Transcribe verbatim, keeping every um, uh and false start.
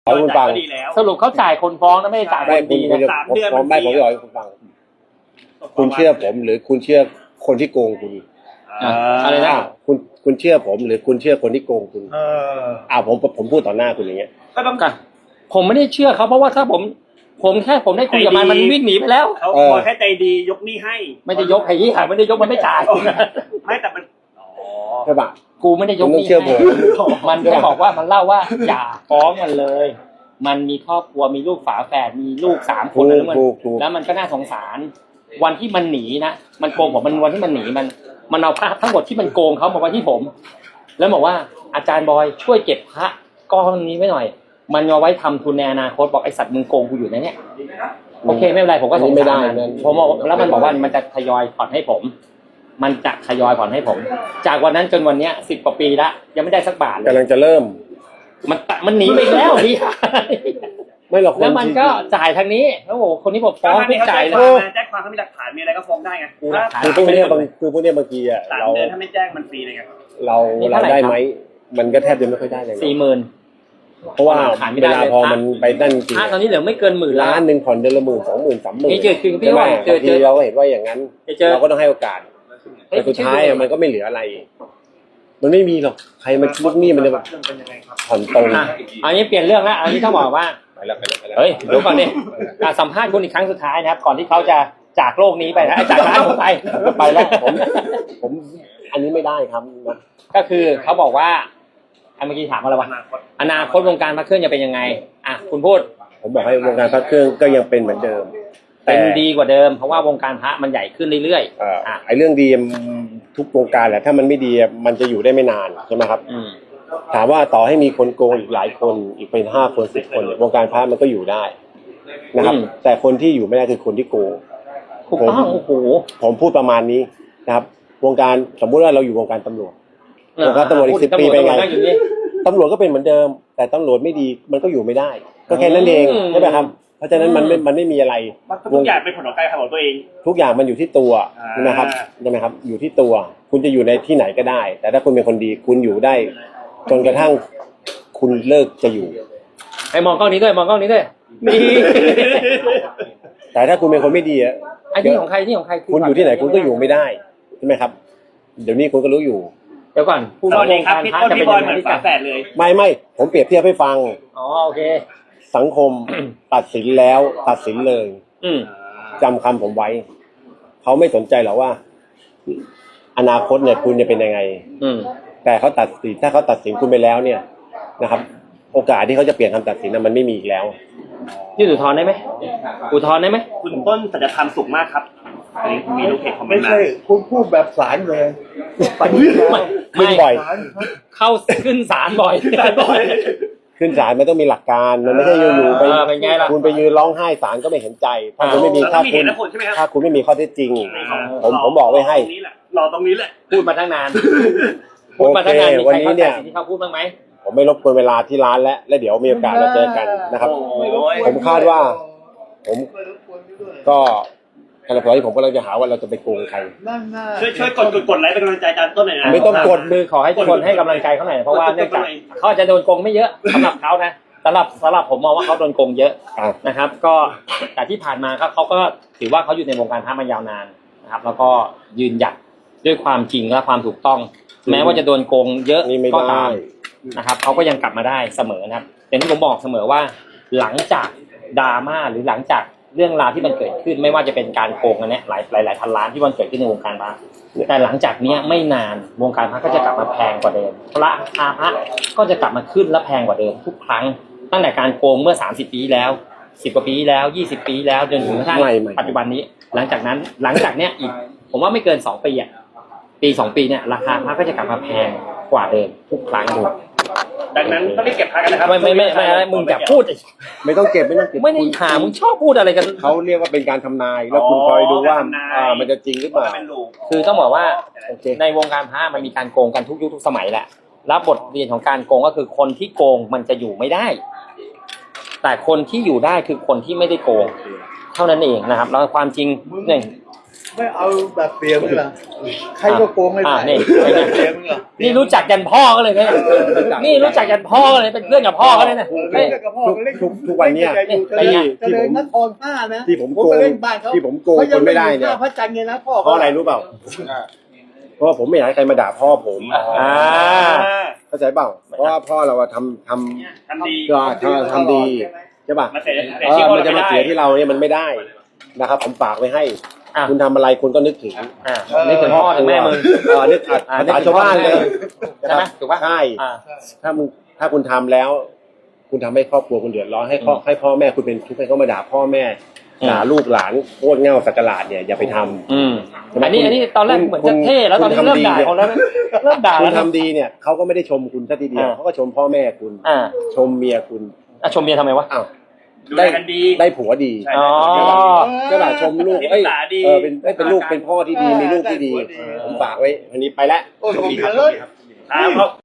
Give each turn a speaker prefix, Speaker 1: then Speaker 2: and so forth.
Speaker 1: เอาคุณฟัง
Speaker 2: สรุปเขาจ่ายคนฟ้องนะไม่ได้จ่ายคนดีนะ
Speaker 1: สามเดือนผมไม่ผมจะบอกให้คุณฟังคุณเชื่อผมหรือคุณเชื่อคนที่โกงคุณ
Speaker 2: อะไรนะ
Speaker 1: คุณคุณเชื่อผมหรือคุณเชื่อคนที่โกงคุณอ่าผมผมพูดต่อหน้าคุณอย่างเงี้ย
Speaker 2: ก็ต้องกันผมไม่ได้เชื่อเขาเพราะว่าถ้าผมผมแค่ผมได้คุยกับมันมันวิ่งหนีไปแล้ว
Speaker 3: เขาพอแค่ใจดียกหนี้ให้
Speaker 2: ไม่ได้ยกไอ้ยี่ห้อไม่ได้ยกมันไม่จ่าย
Speaker 3: ไม่แต่มัน
Speaker 1: ใช่ปะ
Speaker 2: กูไม่ได้ยกหนี้ให้มันแค่บอกว่ามันเล่าว่าอย่าฟ้องมันเลยมันมีครอบครัวมีลูกฝาแฝดมีลูกสามคนแล้วมันแล้วมันก็น่าสงสารวันที่มันหนีนะมันโกงผมมันวันที่มันหนีมันมันเอาพระทั้งหมดที่มันโกงเขามาไว้ที่ผมแล้วบอกว่าอาจารย์บอยช่วยเก็บพระก้อนนี้ไว้หน่อยมันเอาไว้ทำทุนในอนาคตบอกไอสัตว์มึงโกงกูอยู่นะเนี่ยโอเคไม่เป็นไรผมก็สงสารผมแล้วมันบอกว่ามันจะทยอยผ่อนให้ผมมันจะทยอยผ่อนให้ผมจากวันนั้นจนวันเนี้ยสิบกว่าปีละยังไม่ได้สักบาทเลย
Speaker 1: กำลังจะเริ่ม
Speaker 2: มันมันหนีไปแล้วพี่
Speaker 1: ไม่หรอก
Speaker 2: แล้วมันก็จ่ายทางนี้แล้วโอ้คนนี้ผมฟ้องทุกจ่ายเลย
Speaker 3: แจ้งความเขามีหลักฐานมีอะไรก็ฟ้องได้ไง
Speaker 1: คือพวกนี้บางคือพวกนี้บางทีอ่ะ
Speaker 3: เราเดือนถ้าไม่แจ้งมันฟรีเลยไง
Speaker 1: เราเราได้ไหมมันก็แทบจะไม่ค่อยได้เลย
Speaker 2: สี่หมื่น
Speaker 1: เพราะว่าเวลาพอมันไปนั่นจริง
Speaker 2: ตอนนี้เหลือไม่เกินหมื่น
Speaker 1: ล้านหนึ่งผ่อนเดือนละหมื่นสองหมื่นสามหมื่น
Speaker 2: นี่เจอคือพี่ว่า
Speaker 1: เจอเจอเราก็เห็นว่าอย่างนั้นเราก็ต้องให้โอกาสแต่สุดท้ายมันก็ไม่เหลืออะไรมันไม่มีหรอกใครมาลูกหนี้มันจะผ่อนตรง
Speaker 2: อันนี้เปลี่ยนเรื่องแล้วอันนี้ต้องบอกว่า
Speaker 1: ไปแล้วไปแล้วไปแล้ว
Speaker 2: เฮ้ยดูก่อนดิสัมภาษณ์คุณอีกครั้งสุดท้ายนะครับก่อนที่เขาจะจากโลกนี้ไปนะจากร้านผมไป
Speaker 1: ไปแล้วผมผมอันนี้ไม่ได้ครับ
Speaker 2: ก็คือเขาบอกว่าเมื่อกี้ถามอะไรวะอนาคตวงการพระเครื่องจะเป็นยังไงอ่ะคุณพูด
Speaker 1: ผมบอกให้วงการพระเครื่องก็ยังเป็นเหมือนเดิม
Speaker 2: เป็นดีกว่าเดิมเพราะว่าวงการพระมันใหญ่ขึ้นเรื่อย
Speaker 1: ๆอ่าไอ้เรื่องดีทุกวงการแหละถ้ามันไม่ดีมันจะอยู่ได้ไม่นานใช่ไหมครับถามว่าต่อให้มีคนโกงอีกหลายคนอีกเป็นห้าคนสิบคนเนี่ยวงการพระมันก็อยู่ได้นะครับแต่คนที่อยู่ไม่ได้คือคนที่โกง
Speaker 2: ถูกต้องโอ้โห
Speaker 1: ผมพูดประมาณนี้นะครับวงการสมมุติว่าเราอยู่วงการตำรวจวงการตำรวจอีกสิบปีเป็นไงตำรวจก็เป็นเหมือนเดิมแต่ตำรวจไม่ดีมันก็อยู่ไม่ได้ก็แค่นั้นเองใช่ไหมครับเพราะฉะนั้นมันไม่มันไม่มีอะไร
Speaker 3: ทุกอย่างเป็นผลของการทำของตัวเอง
Speaker 1: ทุกอย่างมันอยู่ที่ตัวใช่ไหมครับใช่ไหมครับอยู่ที่ตัวคุณจะอยู่ในที่ไหนก็ได้แต่ถ้าคุณเป็นคนดีคุณอยู่ได้จนกระทั่งคุณเลิกจะอยู่
Speaker 2: ไอ้มองกล้องนี้ด้วยมองกล้องนี้ด้วย
Speaker 1: นี่แต่ถ้าคุณเป็นคนไม่ดีอ่ะ
Speaker 2: ไอ้ที่ของใครที่ของใคร
Speaker 1: คุณอยู่ที่ไหนคุณก็อยู่ไม่ได้ใช่ไหมครับเดี๋ยวนี้คุณก็รู้อยู่
Speaker 2: เดี๋ยวก่อน
Speaker 3: พูดว่าวงการพระจะเป็นยังไงที่ฝาแฝดเลย
Speaker 1: ไม่ไม่ผมเปรียบเทียบให้ฟัง
Speaker 2: อ๋อโอเค
Speaker 1: สังคมตัดสินแล้วตัดสินเลยจำคำผมไว้เขาไม่สนใจหรอกว่าอนาคตเนี่ยคุณจะเป็นยังไงแต่เขาตัดสินถ้าเขาตัดสินคุณไปแล้วเนี่ยนะครับโอกาสที่เขาจะเปลี่ยนคำตัดสินนั้นมันไม่มีอีกแล้ว
Speaker 2: ยื่นอุทธรณ์ได้ไหมอุทธรณ์ได้ไหม
Speaker 3: คุณต้นสัจธรรมสุขมากครับมีลูกเพจคอมเมนต์มา
Speaker 4: ไม่ใช่คุณพูดแบบศาลเลย
Speaker 1: ขึ้นบ่อย
Speaker 2: เข้าขึ้นศาลบ่อย
Speaker 1: ขึ้นศาลมันต้องมีหลักการมันไม่ใช่อยู่ๆไปคุณไปยืนร้องไห้ศาลก็ไม่เห็นใจถ้าคุณไม่มีถ้าคุณถ้าคุณไม่มีข้อเท็จจริงผมผมบอกไว้ให้
Speaker 3: รอตรงนี้แหละ
Speaker 2: พูดมาตั้งนานพูดมาตั้งนานมีใครเข้าใจสิ่งที่เขาพูดบ้างไหม
Speaker 1: ผมไม่รบกวนเวลาที่ร้านแล้วแล้วเดี๋ยวมีโอกาสเราเจอกันนะครับผมคาดว่าผมก็ขณะที่ผมกำลังจะหาว่าเราจะไปโกงใคร
Speaker 3: ช่วยช่วยกดกดกดไลค์เป็นกำลังใจอาจารย์ต้นหน่อยนะ
Speaker 1: ไม่ต้องกด
Speaker 2: มือขอให้ทุกคนให้กำลังใจเขาหน่อยเพราะว่าเนื่องจากเขาจะโดนโกงไม่เยอะสำหรับเขานะสำหรับสำหรับผมมองว่าเขาโดนโกงเยอะนะครับก็แต่ที่ผ่านมาเขาเขาก็ถือว่าเขาอยู่ในวงการพระมายาวนานนะครับแล้วก็ยืนหยัดด้วยความจริงและความถูกต้องแม้ว่าจะโดนโกงเยอะก็ตามนะครับเขาก็ยังกลับมาได้เสมอนะครับแต่ที่ผมบอกเสมอว่าหลังจากดราม่าหรือหลังจากเรื่องราวที่มันเกิดขึ้นไม่ว่าจะเป็นการโกงกันเนี่ยหลายหลายหลายพันล้านที่มันเกิดขึ้นในวงการพระแต่หลังจากนี้ไม่นานวงการพระก็จะกลับมาแพงกว่าเดิมพระราคาพระก็จะกลับมาขึ้นและแพงกว่าเดิมทุกครั้งตั้งแต่การโกงเมื่อสามสิบปีแล้วสิบกว่าปีแล้วยี่สิบปีแล้วจนถึงกระทั่งปัจจุบันนี้หลังจากนั้นหลังจากเนี้ยอีกผมว่าไม่เกินสองปีอ่ะปีสองปีเนี่ยราคาพระก็จะกลับมาแพงกว่าเดิมทุกครั้ง
Speaker 3: ดังนั้นต้องรีบเก็บพระกันนะครับ
Speaker 2: ไม่ไม่ไม่ไม่มึงอย่าพูด
Speaker 1: ไม่ต้องเก็บไม่ต้องเก็บ
Speaker 2: ไม่ได้หามึงชอบพูดอะไรกัน
Speaker 1: เขาเรียกว่าเป็นการทำนายแล้วคุณคอยดูว่าอ่ามันจะจริงหรือเปล่า
Speaker 2: คือต้องบอกว่าในวงการพระมันมีการโกงกันทุกยุคทุกสมัยแหละรับบทเรียนของการโกงก็คือคนที่โกงมันจะอยู่ไม่ได้แต่คนที่อยู่ได้คือคนที่ไม่ได้โกงเท่านั้นเองนะครับแล้วความจริงหนึ่ง
Speaker 4: ไม่เอาแบบเสียมึงเหรอใครก็โกงไม่
Speaker 2: อ่า
Speaker 4: ได้
Speaker 2: นี่
Speaker 4: เสียมึงเหรอ
Speaker 2: นี่รู้จักยันพ่อก็เลยเนี่ยนี่รู้จักยันพ่อก็เลยเป็นเพื่อนกับพ่อก็เลยนะ
Speaker 4: เล่
Speaker 2: เฮ้ย
Speaker 4: นกับพ่อเล่น
Speaker 1: ทุกทุกวันเนี้ย
Speaker 4: เล่นกับ
Speaker 2: เป็นไง
Speaker 4: เจริญนครห้านะ
Speaker 1: ที่ผม
Speaker 4: ผม
Speaker 1: โกง
Speaker 4: ไปเล่นบ้านเขา
Speaker 1: ที่ผมโกงคนไม่ได้เนี่ย
Speaker 4: ขาพระจันทร์ไงนะพ่อ
Speaker 1: เพราะอะไรรู้เปล่าเพราะว่าผมไม่อยากให้ใครมาด่าพ่อผม
Speaker 2: อ่า
Speaker 1: เข้าใจเปล่าเพราะว่าพ่อเราอะทำทำ
Speaker 3: ทำดี
Speaker 1: ก็ทำทำดีใช่ป่ะ
Speaker 3: มาเสีย
Speaker 1: เอ
Speaker 3: เสีย
Speaker 1: อ
Speaker 3: ชื่อ
Speaker 1: มันจะมา
Speaker 3: เรา
Speaker 1: เสี
Speaker 3: ไม่
Speaker 1: ย
Speaker 3: ได้
Speaker 1: ที่เราเนี่ยมันไม่ได้นะครับ ผมฝากไว้ให้
Speaker 2: อ่ะ
Speaker 1: คุณทำอะไรคุณก็นึกถึง
Speaker 2: อ่านี่ถึงพ่อถึงแม่มึง
Speaker 1: เออนึกอัด
Speaker 2: อ่า
Speaker 1: ภาษาชาวบ้านเลย
Speaker 2: ใช่ไหมถูกปะ
Speaker 1: ใช่
Speaker 2: อ่า
Speaker 1: ถ้ามึงถ้าคุณทำแล้ว คุณทำให้ครอบครัวคุณเดือดร้อนให้พ่อ
Speaker 2: อืม
Speaker 1: ให้พ่อแม่คุณเป็นทุกข์ให้เขามาด่าพ่อแม่
Speaker 2: อืม
Speaker 1: ด่าลูกหลานโคตรเง่าสักกะหลาดเนี่ยอย่าไปทำ
Speaker 2: อืม
Speaker 1: ใช่ไหม
Speaker 2: อันนี้
Speaker 1: คุณ
Speaker 2: อันนี้ตอนแรกเหมือนจะเท่แล้วตอนนี้
Speaker 1: คุณ
Speaker 2: เริ่ม
Speaker 1: ทำดี
Speaker 2: ด่าเขาแล้วนะเริ่มด่า
Speaker 1: คุ
Speaker 2: แล้
Speaker 1: ณ
Speaker 2: วนะ
Speaker 1: ทำดีเนี่ยเขาก็ไม่ได้ชมคุณซะทีเดียว
Speaker 2: อ่า
Speaker 1: เขาก็ชมพ่อแม่คุณ
Speaker 2: อ่า
Speaker 1: ชมเมียคุณ
Speaker 2: อ่ะชมเมียทำไมวะ
Speaker 1: อ้าว
Speaker 3: ดูแลกันดี
Speaker 1: ได้ผัวดี
Speaker 3: ใช่
Speaker 2: อ๋อ
Speaker 1: ก็ด่าชมลูก
Speaker 3: ที่
Speaker 1: เอ้ย
Speaker 3: ปรึกษาดี
Speaker 1: เออเป็นเอ้ยเป็นลูกเป็นพ่อที่ดีมีลูกที่ดีผมฝากไว้อันนี้ไปแล้ว
Speaker 4: โอ้ย
Speaker 1: โชค
Speaker 4: ผม
Speaker 1: ดีครับ
Speaker 4: เลย
Speaker 3: ครับ